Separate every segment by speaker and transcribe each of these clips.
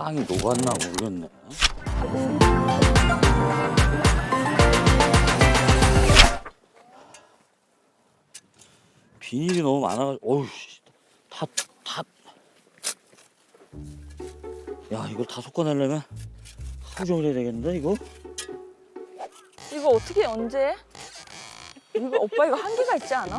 Speaker 1: 땅이 녹았나 모르겠네. 비닐이 너무 많아가지고, 어우, 다. 야, 이걸 다 섞어내려면 하루 종일 해야 되겠는데, 이거?
Speaker 2: 이거 어떻게 언제 해? 이거 오빠 이거 한계가 있지 않아?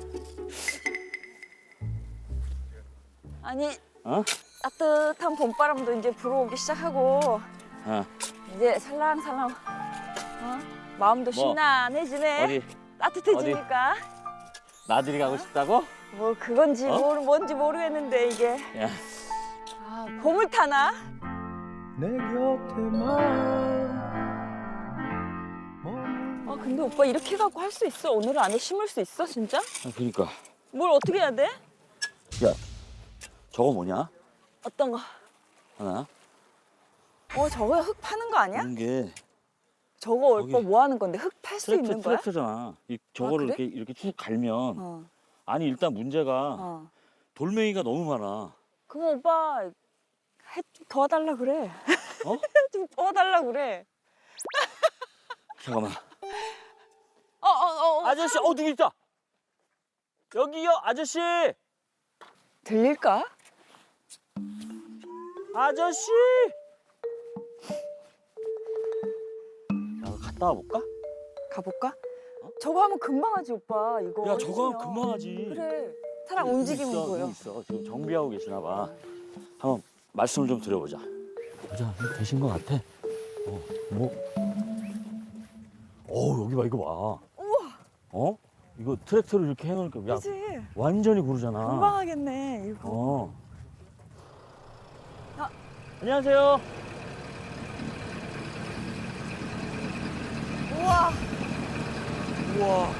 Speaker 2: 아니
Speaker 1: 어?
Speaker 2: 따뜻한 봄바람도 이제 불어오기 시작하고
Speaker 1: 어,
Speaker 2: 이제 살랑살랑 마음도
Speaker 1: 뭐?
Speaker 2: 신나해지네.
Speaker 1: 어디?
Speaker 2: 따뜻해지니까.
Speaker 1: 나들이 가고 싶다고?
Speaker 2: 뭐 그건지 뭔지 모르겠는데 이게
Speaker 1: 야,
Speaker 2: 봄을 타나?
Speaker 3: 내 곁에만
Speaker 2: 근데 오빠 이렇게 해갖고 할 수 있어? 오늘 안에 심을 수 있어 진짜?
Speaker 1: 그러니까.
Speaker 2: 뭘 어떻게 해야 돼?
Speaker 1: 야, 저거 뭐냐?
Speaker 2: 어떤 거?
Speaker 1: 하나?
Speaker 2: 저거 흙 파는 거 아니야?
Speaker 1: 이런 게
Speaker 2: 저거
Speaker 1: 거기
Speaker 2: 오빠 뭐 하는 건데 흙 팔 수 있는 거야?
Speaker 1: 트랙터잖아. 저거를
Speaker 2: 그래?
Speaker 1: 이렇게 쭉 갈면
Speaker 2: 어.
Speaker 1: 아니 일단 문제가 돌멩이가 너무 많아.
Speaker 2: 그럼 오빠 좀 도와달라 그래.
Speaker 1: 어?
Speaker 2: 좀 도와달라 그래.
Speaker 1: 잠깐만.
Speaker 2: 어.
Speaker 1: 아저씨, 누구 있다. 여기요, 아저씨.
Speaker 2: 들릴까?
Speaker 1: 아저씨. 야, 갔다 와볼까?
Speaker 2: 가볼까? 저거 하면 금방 하지 오빠 이거.
Speaker 1: 야, 저거 하면
Speaker 2: 해주면.
Speaker 1: 금방 하지.
Speaker 2: 그래. 사람 움직이면
Speaker 1: 있어,
Speaker 2: 보여.
Speaker 1: 있어. 지금 정비하고 계시나 봐. 한번 말씀을 좀 드려보자. 보자, 되신 것 같아. 여기 봐, 이거 봐.
Speaker 2: 우와.
Speaker 1: 이거 트랙터를 이렇게 해놓으니까 야,
Speaker 2: 그치?
Speaker 1: 완전히 고르잖아.
Speaker 2: 금방 하겠네 이거.
Speaker 1: 안녕하세요.
Speaker 2: 우와.
Speaker 1: 우와.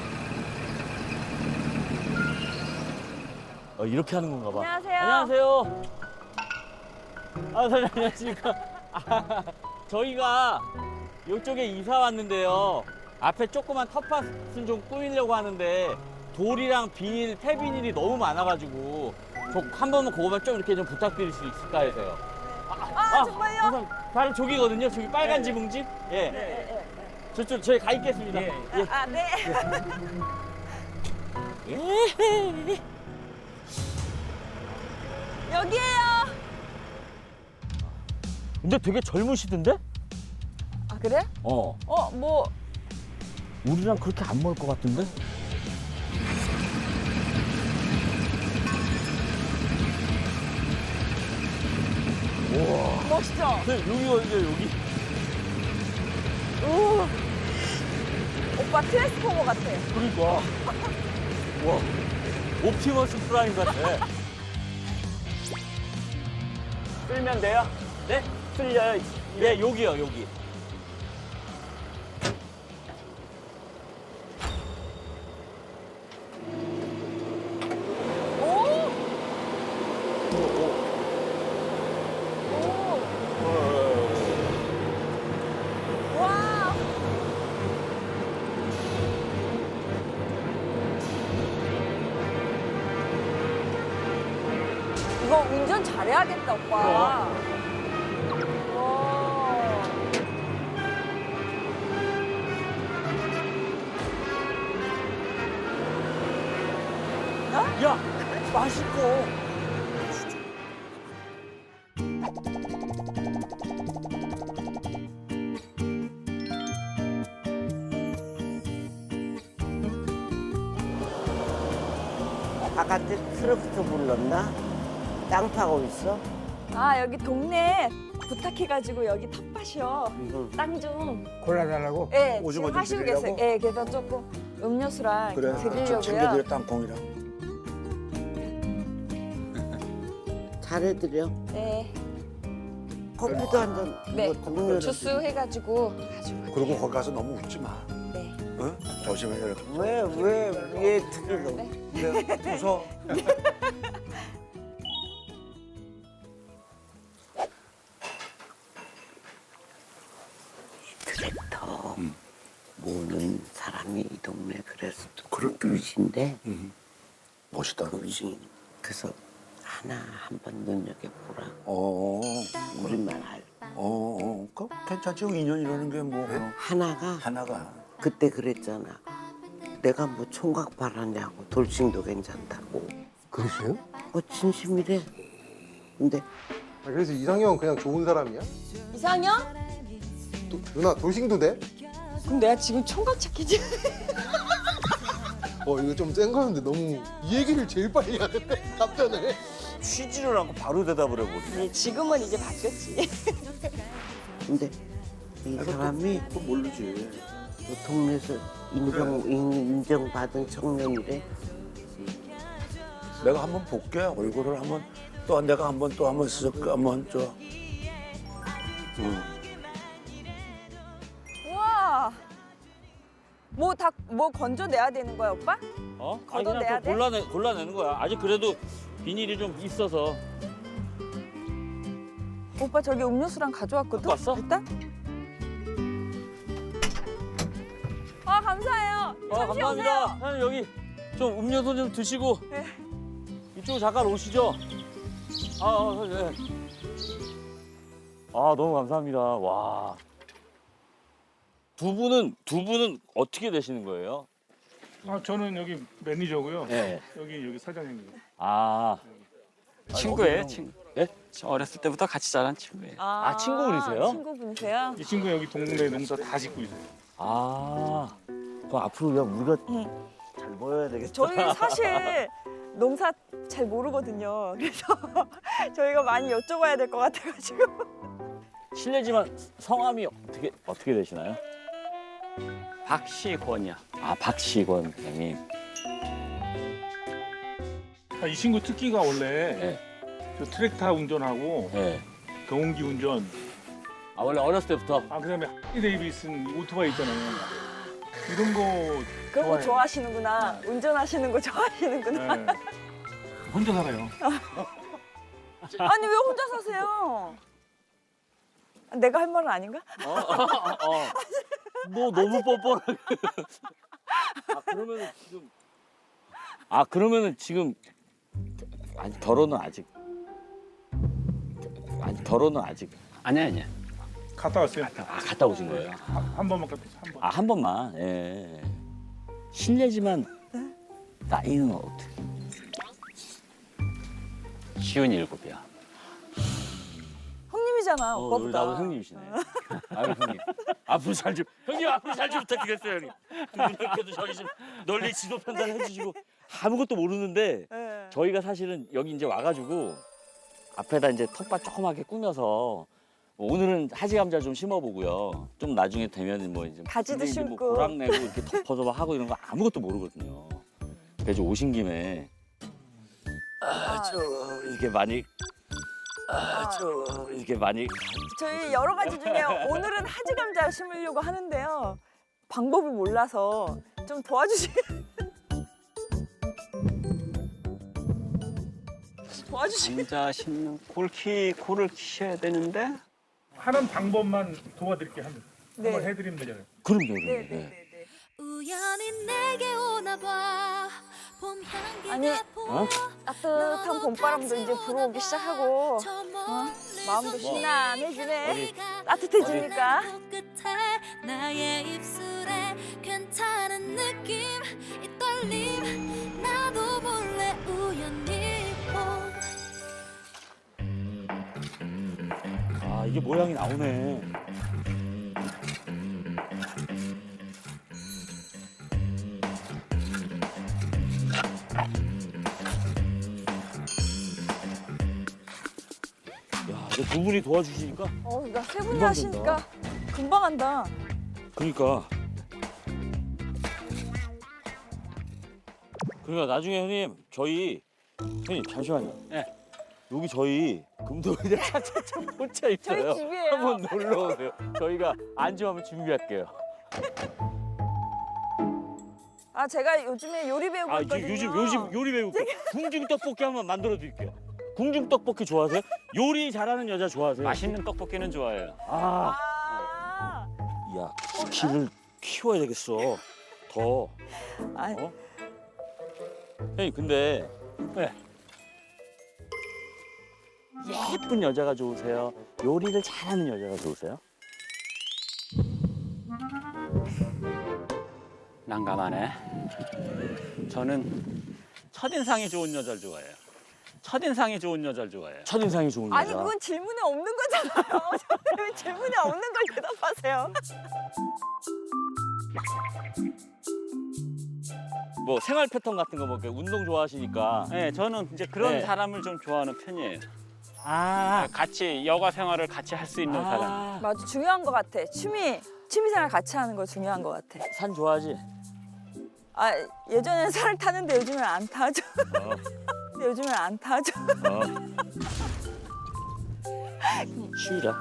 Speaker 1: 이렇게 하는 건가 봐.
Speaker 2: 안녕하세요.
Speaker 1: 안녕하세요. 사장님 안녕하십니까. 저희가 이쪽에 이사 왔는데요. 앞에 조그만 텃밭은 좀 꾸미려고 하는데 돌이랑 비닐, 폐비닐이 너무 많아가지고 한 번만 그거만 좀 이렇게 좀 부탁드릴 수 있을까 해서요.
Speaker 2: 정말요?
Speaker 1: 우선 바로 저기거든요. 저기 빨간 지붕집. 예.
Speaker 2: 네.
Speaker 1: 저쪽 저희 가 있겠습니다.
Speaker 3: 예.
Speaker 2: 네.
Speaker 1: 예.
Speaker 2: 여기에요.
Speaker 1: 근데 되게 젊으시던데?
Speaker 2: 아 그래? 뭐
Speaker 1: 우리랑 그렇게 안 멀 것 같은데? 우와.
Speaker 2: 멋있죠?
Speaker 1: 여기가 이제 여기.
Speaker 2: 오. 오빠 트랜스포머 같아.
Speaker 1: 그러니까. 와. 옵티머스 프라임 같아.
Speaker 3: 쓸면 돼요?
Speaker 1: 네?
Speaker 3: 쓸려요.
Speaker 1: 네, 여기요, 여기.
Speaker 2: 오. 와. 이거 운전 잘해야겠다, 오빠. 와.
Speaker 1: 야, 맛있고.
Speaker 4: 바깥에 트럭터 불렀나? 땅 파고 있어?
Speaker 2: 여기 동네 부탁해가지고 여기 텃밭이요. 땅 좀.
Speaker 5: 골라달라고?
Speaker 2: 예,
Speaker 5: 오징어
Speaker 2: 지금
Speaker 5: 좀
Speaker 2: 하시고 계세요.
Speaker 5: 드리려고?
Speaker 2: 예, 그래서 조금 음료수랑
Speaker 5: 그래, 좀
Speaker 2: 드리려고요.
Speaker 5: 챙겨드려 땅콩이랑.
Speaker 4: 잘해드려.
Speaker 2: 네,
Speaker 4: 커피도 한 잔.
Speaker 2: 네.
Speaker 4: 음료를.
Speaker 2: 주스 해가지고 가지고.
Speaker 5: 그리고
Speaker 2: 갈게요.
Speaker 5: 거기 가서 너무 웃지 마.
Speaker 2: 네.
Speaker 5: 응? 조심해. 이렇게.
Speaker 4: 왜 특히 너?
Speaker 5: 네, 웃어.
Speaker 4: 트랙터 모는 사람이 이 동네 그래서
Speaker 5: 그래?
Speaker 4: 그릇인데
Speaker 5: 멋있다.
Speaker 4: 그릇이 그래서 하나 한번 눈여겨보라.
Speaker 5: 어.
Speaker 4: 우리 말
Speaker 5: 괜찮지. 2년이라는 게 뭐.
Speaker 4: 하나가
Speaker 5: 하나가.
Speaker 4: 그때 그랬잖아. 내가 뭐 총각 바라냐고 돌싱도 괜찮다고.
Speaker 6: 그러세요?
Speaker 4: 진심이래. 근데
Speaker 6: 아, 그래서 이상형 그냥 좋은 사람이야?
Speaker 2: 이상형?
Speaker 6: 누나 돌싱도 돼?
Speaker 2: 그럼 내가 지금 총각 찾기지?
Speaker 6: 이거 좀 센 거였는데 너무 이 얘기를 제일 빨리 하는데 답변을.
Speaker 5: 쉬지를 않고 바로 대답을 해버리네.
Speaker 2: 지금은 이제 바뀌었지.
Speaker 4: 근데 이 사람이
Speaker 5: 또 모르지.
Speaker 4: 그 동네에서 인정받은 청년이래.
Speaker 5: 내가 한번 볼게. 얼굴을 한번 또 내가 한번 쓱 한번 저.
Speaker 2: 우와. 뭐 건져내야 되는 거야, 오빠?
Speaker 1: 어? 아니 그냥
Speaker 2: 걷어내야
Speaker 1: 또 골라내는 거야. 아직 그래도 비닐이 좀 있어서.
Speaker 2: 오빠 저기 음료수랑 가져왔거든?
Speaker 1: 갖고 왔어?
Speaker 2: 일단? 아, 감사해요. 잠시
Speaker 1: 감사합니다.
Speaker 2: 오세요.
Speaker 1: 사장님 여기 좀 음료수 좀 드시고
Speaker 2: 네.
Speaker 1: 이쪽으로 잠깐 오시죠. 네. 너무 감사합니다. 와. 두 분은 어떻게 되시는 거예요?
Speaker 7: 저는 여기 매니저고요.
Speaker 1: 네.
Speaker 7: 여기 사장님이요.
Speaker 8: 친구예요, 친구.
Speaker 1: 예?
Speaker 8: 저 어렸을 때부터 같이 자란 친구예요.
Speaker 1: 친구분이세요?
Speaker 2: 친구분이세요?
Speaker 7: 이 친구 여기 동네 농사 다 짓고 있어요.
Speaker 1: 그럼 앞으로 그냥 우리가
Speaker 2: 응.
Speaker 1: 잘 보여야 되겠다.
Speaker 2: 저희 사실 농사 잘 모르거든요. 그래서 저희가 많이 여쭤봐야 될 것 같아가지고.
Speaker 1: 실례지만 성함이 어떻게 되시나요?
Speaker 8: 박시권이요.
Speaker 1: 박시권 형님.
Speaker 7: 이 친구 특기가 원래
Speaker 1: 네.
Speaker 7: 저 트랙터 운전하고
Speaker 1: 네.
Speaker 7: 경운기 운전,
Speaker 1: 원래 어렸을 때부터.
Speaker 7: 그다음에 데이비슨 오토바이 있잖아요. 이런 거
Speaker 2: 그런 거
Speaker 7: 좋아해요.
Speaker 2: 좋아하시는구나. 운전하시는 거 좋아하시는구나.
Speaker 7: 네. 혼자 살아요.
Speaker 2: 아니 왜 혼자 사세요? 내가 할 말은 아닌가?
Speaker 1: 너 너무 뻔뻔하게. 그러면은 지금 아니 결혼은 아직.
Speaker 8: 아니야.
Speaker 7: 갔다 왔어요.
Speaker 1: 갔다 오신 거예요?
Speaker 7: 한 번만 갔다 왔어요. 한 번.
Speaker 1: 한 번만. 예. 실례지만 나이는 어떻게?
Speaker 8: 57이야.
Speaker 2: 형님이잖아
Speaker 1: 우리
Speaker 2: 오빠보다.
Speaker 1: 나보다 형님이시네. 형님. 앞으로 잘 좀. 형님 앞으로 잘 좀 부탁드리겠어요, 형님. 이렇게도 저희 좀 널리 지도 편달해 주시고 아무것도 모르는데
Speaker 2: 네.
Speaker 1: 저희가 사실은 여기 이제 와가지고 앞에다 이제 텃밭 조그맣게 꾸며서 오늘은 하지 감자 좀 심어보고요. 좀 나중에 되면 뭐 이제
Speaker 2: 가지도
Speaker 1: 근데 이제 뭐
Speaker 2: 심고.
Speaker 1: 고랑 내고 이렇게 덮어서 막 하고 이런 거 아무것도 모르거든요. 그래서 오신 김에 이렇게 많이
Speaker 2: 저희 여러 가지 중에 오늘은 하지 감자 심으려고 하는데요. 방법을 몰라서 좀 도와주시면.
Speaker 8: 감자 심는 코를 키셔야 되는데
Speaker 7: 하는 방법만 도와드릴게요.
Speaker 2: 네.
Speaker 7: 한번 해드리면 되잖아요.
Speaker 1: 그럼요.
Speaker 2: 네네네.
Speaker 9: 우연히 내게 오나 봐. 봄
Speaker 2: 아니,
Speaker 9: 향기가 보여.
Speaker 2: 따뜻한 봄바람도 이제 불어오기 시작하고
Speaker 9: 저
Speaker 2: 마음도
Speaker 9: 멀리서
Speaker 2: 신나해지네.
Speaker 9: 네가
Speaker 2: 따뜻해지니까.
Speaker 9: 끝에 나의 입술에 괜찮은 느낌 이 떨림 나도 몰래 우연히 본
Speaker 1: 이게 모양이 나오네. 이제 두 분이 도와주시니까.
Speaker 2: 그러니까 세 분이
Speaker 1: 금방
Speaker 2: 하시니까 금방 한다.
Speaker 1: 그러니까 나중에 형님 형님 잠시만요.
Speaker 8: 네.
Speaker 1: 여기 저희 금도리대 차차차 포차 있어요.
Speaker 2: 저희 집이에요.
Speaker 1: 한번 놀러 오세요. 저희가 안주 한번 준비할게요.
Speaker 2: 제가 요즘에 요리 배우고 있거든요.
Speaker 1: 요즘 요리 배우고 궁중 떡볶이 한번 만들어 드릴게요. 궁중 떡볶이 좋아하세요? 요리 잘하는 여자 좋아하세요?
Speaker 8: 맛있는 떡볶이는 좋아해요.
Speaker 1: 야, 쿠키를 키워야 되겠어. 더.
Speaker 2: 아니,
Speaker 1: 형님 근데 예쁜 여자가 좋으세요? 요리를 잘하는 여자가 좋으세요?
Speaker 8: 난감하네. 저는 첫인상이 좋은 여자를 좋아해요. 첫인상이 좋은 여자를 좋아해요.
Speaker 1: 첫인상이 좋은 여자.
Speaker 2: 아니 그건 질문에 없는 거잖아요. 저는 왜 질문에 없는 걸 대답하세요?
Speaker 1: 뭐 생활 패턴 같은 거 뭐 운동 좋아하시니까.
Speaker 8: 네, 저는 이제 그런
Speaker 1: 네.
Speaker 8: 사람을 좀 좋아하는 편이에요.
Speaker 1: 아.
Speaker 8: 같이 여가 생활을 같이 할 수 있는 사람.
Speaker 2: 맞아, 중요한 것 같아. 취미생활 같이 하는 거 중요한 것 같아.
Speaker 1: 산 좋아하지?
Speaker 2: 아 예전엔 살 타는데 요즘엔 안 타죠. 근데 요즘엔 안 타죠.
Speaker 1: 쉬자.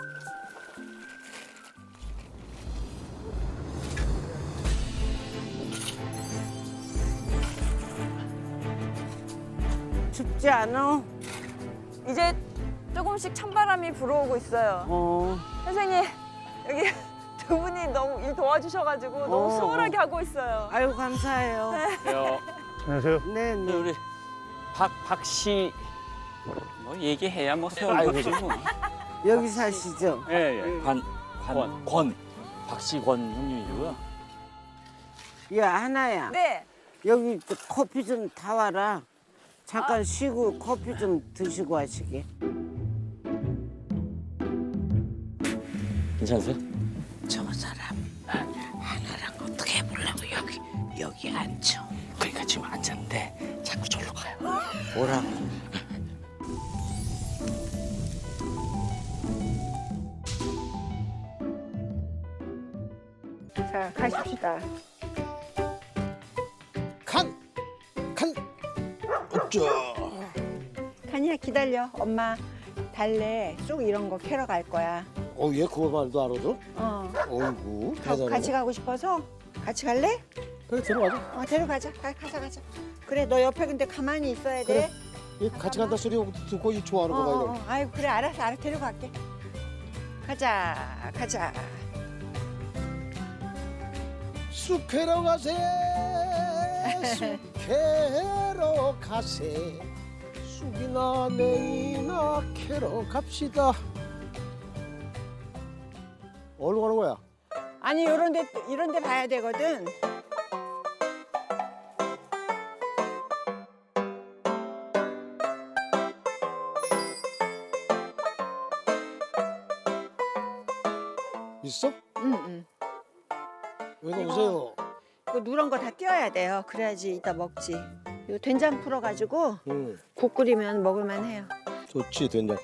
Speaker 4: 춥지 않아?
Speaker 2: 이제 조금씩 찬바람이 불어오고 있어요. 선생님 여기 두 분이 너무 일 도와주셔가지고 너무 수월하게 하고 있어요.
Speaker 4: 아유 감사해요.
Speaker 7: 안녕하세요.
Speaker 4: 네,
Speaker 1: 근데
Speaker 4: 네.
Speaker 1: 우리 박씨.
Speaker 8: 뭐 얘기해야 뭐 세운
Speaker 1: 아이고,
Speaker 8: 거지 뭐.
Speaker 4: 여기 사시죠?
Speaker 8: 예, 예.
Speaker 1: 권. 박씨권 형님이고요.
Speaker 4: 야 하나야.
Speaker 2: 네.
Speaker 4: 여기 커피 좀 타와라. 잠깐 쉬고 커피 좀 드시고 하시게.
Speaker 1: 괜찮으세요?
Speaker 4: 저 사람 하나랑 어떻게 해보려고 여기 앉혀.
Speaker 1: 그러니까 지금 앉았는데 자꾸 저리로 가요.
Speaker 4: 뭐라고?
Speaker 10: 자, 가십시다.
Speaker 6: 간 어쩌.
Speaker 10: 칸이야 기다려. 엄마 달래 쑥 이런 거 캐러 갈 거야.
Speaker 6: 얘 그거 말도 알아도? 어이구 대단해.
Speaker 10: 같이 가고 싶어서 같이 갈래?
Speaker 6: 그래 들어가자.
Speaker 10: 데려가자. 가자. 그래 너 옆에 근데 가만히 있어야 돼.
Speaker 6: 그래. 얘 같이 간다 소리 듣고 이 좋아하는 거 봐 이거.
Speaker 10: 아이고 그래 알았어 데려갈게. 가자.
Speaker 6: 쑥 캐러 가세. 쑥 캐러 가세. 쑥이나 냉이나 캐러 갑시다. 어디로 가는 거야?
Speaker 10: 아니 이런 데 봐야 되거든.
Speaker 6: 있어?
Speaker 10: 응.
Speaker 6: 여기 오세요.
Speaker 10: 그 누런 거 다 띄어야 돼요. 그래야지 이따 먹지. 이거 된장 풀어가지고
Speaker 6: 응.
Speaker 10: 국 끓이면 먹을만 해요.
Speaker 6: 좋지 된장.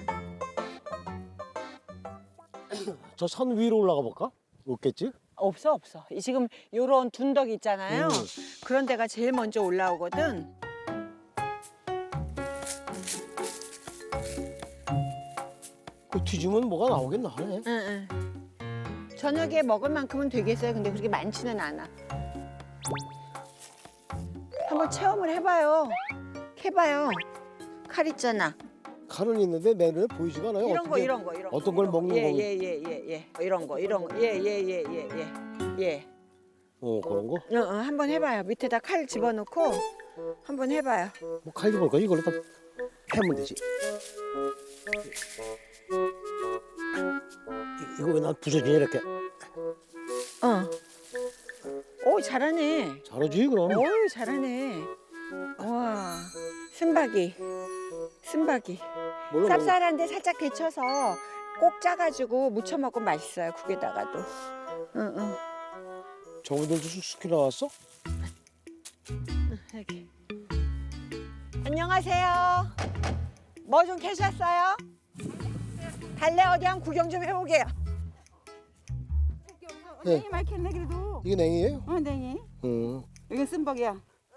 Speaker 6: 저 산 위로 올라가 볼까? 없겠지?
Speaker 10: 없어. 지금 요런 둔덕 있잖아요. 그런 데가 제일 먼저 올라오거든.
Speaker 6: 그 뒤지면 뭐가 나오겠나 하네.
Speaker 10: 응. 저녁에 먹을 만큼은 되겠어요. 근데 그렇게 많지는 않아. 한번 체험을 해봐요. 캐봐요. 칼 있잖아.
Speaker 6: 칼은 있는데 내 눈에 보이지가 않아요.
Speaker 10: 이런 거.
Speaker 6: 어떤 걸 먹는 거?
Speaker 10: 예. 이런 거. 예.
Speaker 6: 그런 거?
Speaker 10: 한번 해봐요. 밑에다 칼 집어넣고 한번 해봐요.
Speaker 6: 뭐 칼도 볼까? 이걸로 다 패면 되지. 이거 왜 난 부서지냐 이렇게.
Speaker 10: 오 잘하네.
Speaker 6: 잘하지 그럼.
Speaker 10: 어유 잘하네. 와 쓴바기.
Speaker 6: 뭘로 먹는
Speaker 10: 쌉쌀한데 살짝 데쳐서 꼭 짜가지고 무쳐 먹으면 맛있어요. 국에다가도. 응.
Speaker 6: 저분들도 쑥쑥히 나왔어?
Speaker 10: 여기. 안녕하세요. 뭐 좀 캐셨어요? 달래 어디 한번 구경 좀 해보게요.
Speaker 6: 네.
Speaker 10: 냉이 많이 캤네 그래도.
Speaker 6: 이게 냉이에요?
Speaker 10: 냉이.
Speaker 6: 응.
Speaker 10: 이건 쓴벅이야.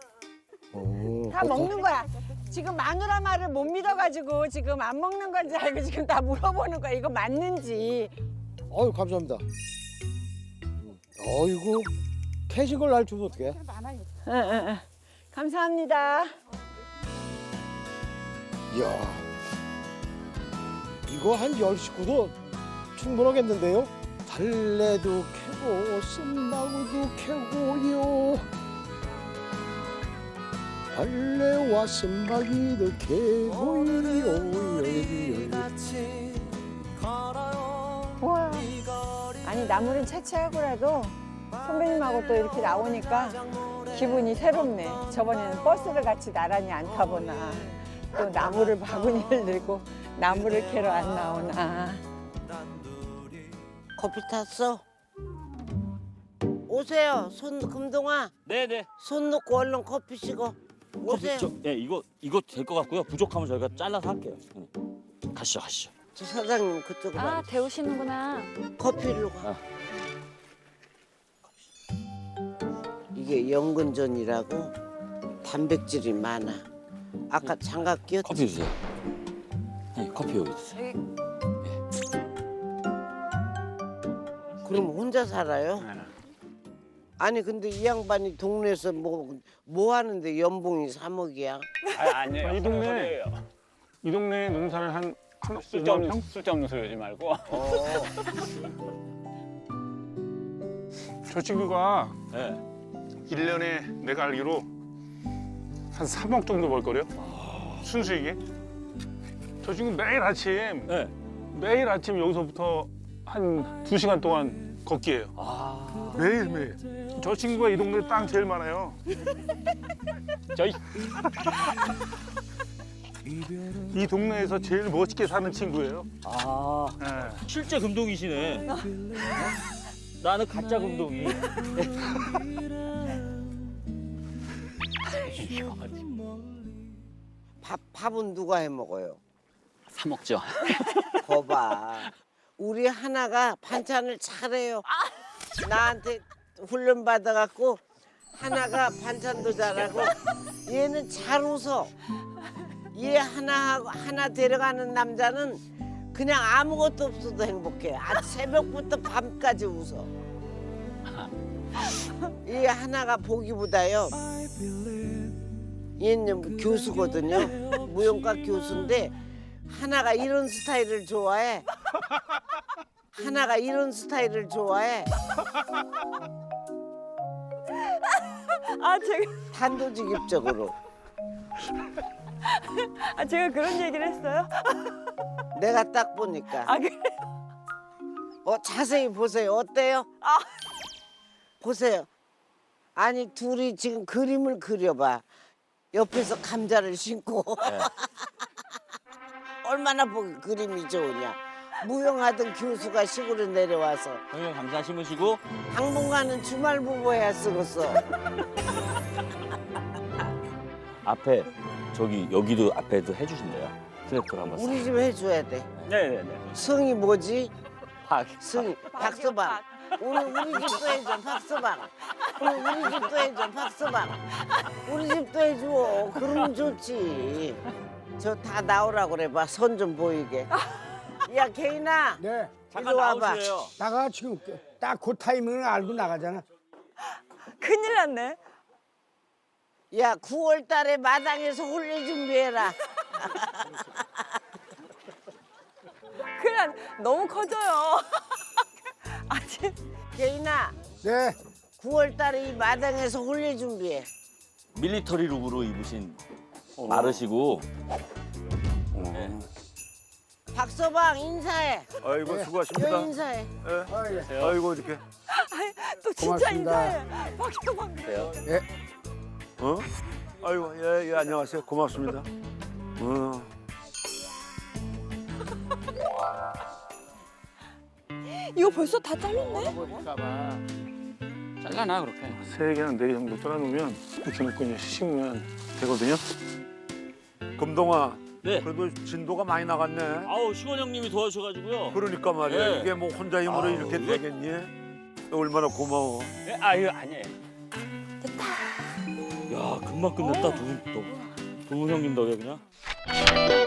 Speaker 10: 다
Speaker 6: 그렇다.
Speaker 10: 먹는 거야. 지금 마누라말을 못 믿어가지고 지금 안 먹는 건지 알고 지금 다 물어보는 거야. 이거 맞는지.
Speaker 6: 아유 감사합니다. 어이구 캐신 걸 날 주면 어떡해?
Speaker 10: 응. 감사합니다.
Speaker 6: 이야 이거 한 10식구도 충분하겠는데요? 달래도 캐고 쓴마구도 캐고요. 달래와 쓴마기도 캐고요.
Speaker 10: 우와. 아니 나물은 채취하고라도 선배님하고 또 이렇게 나오니까 기분이 새롭네. 저번에는 버스를 같이 나란히 안 타보나 또 나물을 바구니를 들고 나물을 캐러 안 나오나.
Speaker 4: 커피 탔어? 오세요. 금동아.
Speaker 1: 네네.
Speaker 4: 손 놓고 얼른 커피 식어. 오세요.
Speaker 1: 예, 이거 될 것 같고요. 부족하면 저희가 잘라서 할게요. 가시죠.
Speaker 4: 저 사장님 그쪽으로
Speaker 2: 아,
Speaker 4: 와.
Speaker 2: 데우시는구나.
Speaker 4: 커피로 가.
Speaker 1: 아.
Speaker 4: 이게 연근전이라고 단백질이 많아. 아까 장갑 끼웠지?
Speaker 1: 커피 주세요. 네, 커피 여기 주세요.
Speaker 4: 그럼 혼자 살아요? 아니 근데 이 양반이 동네에서 뭐 하는데 연봉이 3억이야?
Speaker 8: 아니에요.
Speaker 7: 이 동네 농사를 한
Speaker 8: 쓸데없는 소리 하지 말고.
Speaker 7: 저 친구가
Speaker 1: 네.
Speaker 7: 1년에 내가 알기로 한 3억 정도 벌거려. 순수익에. 저 친구 매일 아침
Speaker 1: 네.
Speaker 7: 여기서부터 한 2시간 동안 걷기예요. 매일매일. 저 친구가 이 동네 땅 제일 많아요.
Speaker 8: 저희
Speaker 7: 이 동네에서 제일 멋있게 사는 친구예요. 네.
Speaker 1: 실제 금동이시네. 나는 가짜 금동이.
Speaker 4: 밥은 누가 해 먹어요?
Speaker 8: 사 먹죠.
Speaker 4: 거봐. 우리 하나가 반찬을 잘해요. 나한테 훈련 받아갖고 하나가 반찬도 잘하고 얘는 잘 웃어. 얘 하나 데려가는 남자는 그냥 아무것도 없어도 행복해. 새벽부터 밤까지 웃어. 얘 하나가 보기보다요. 얘는 교수거든요. 무용과 교수인데 하나가 이런 스타일을 좋아해.
Speaker 2: 아, 제가
Speaker 4: 단도직입적으로.
Speaker 2: 제가 그런 얘기를 했어요?
Speaker 4: 내가 딱 보니까.
Speaker 2: 아, 그래?
Speaker 4: 자세히 보세요. 어때요? 보세요. 아니 둘이 지금 그림을 그려봐. 옆에서 감자를 심고. 얼마나 보기 그림이 좋으냐. 무용하던 교수가 시골에 내려와서
Speaker 1: 형님 감사 심으시고.
Speaker 4: 당분간은 주말 부부해야 쓰겠어.
Speaker 1: 앞에 여기도 앞에도 해주신대요. 트랙터를 한번.
Speaker 4: 우리 집 해줘야 돼.
Speaker 8: 네네네.
Speaker 4: 성이 뭐지?
Speaker 1: 팍.
Speaker 4: 성이 박서방. 오늘 우리 집도 해줘 박서방. 우리 집도 해줘 박서방. 우리 집도 해줘. 그러면 좋지. 저 다 나오라고 그래봐. 선 좀 보이게. 야 개인아.
Speaker 3: 네.
Speaker 1: 잠깐
Speaker 4: 이리 와봐.
Speaker 1: 나오시래요.
Speaker 3: 나가 지금 딱 그 타이밍을 알고 나가잖아.
Speaker 2: 큰일 났네.
Speaker 4: 야 9월 달에 마당에서 홀리 준비해라.
Speaker 2: 큰일 났네. 너무 커져요. 아직.
Speaker 4: 개인아
Speaker 3: 네.
Speaker 4: 9월 달에 이 마당에서 홀리 준비해.
Speaker 1: 밀리터리 룩으로 입으신 마르시고.
Speaker 4: 박서방 인사해.
Speaker 5: 아이고 수고하십니다.
Speaker 4: 여 인사해.
Speaker 5: 아이고 이렇게.
Speaker 2: 또 진짜
Speaker 3: 고맙습니다.
Speaker 2: 인사해. 박서방.
Speaker 5: 아이고 예 안녕하세요. 고맙습니다.
Speaker 2: 이거 벌써 다 잘렸네?
Speaker 8: 잘라나 그렇게.
Speaker 7: 3개나 4개 정도 떠나놓으면 이렇게 놓고 이제 식으면 되거든요.
Speaker 5: 금동아.
Speaker 1: 네.
Speaker 5: 그래도 진도가 많이 나갔네.
Speaker 1: 아우 시원 형님이 도와주셔가지고요.
Speaker 5: 그러니까 말이야.
Speaker 1: 네.
Speaker 5: 이게 뭐 혼자 힘으로
Speaker 1: 아우,
Speaker 5: 이렇게
Speaker 1: 이거-
Speaker 5: 되겠니? 얼마나 고마워.
Speaker 8: 아유 아니에요.
Speaker 1: 야 금방 끝냈다. 두 형님 덕에 그냥.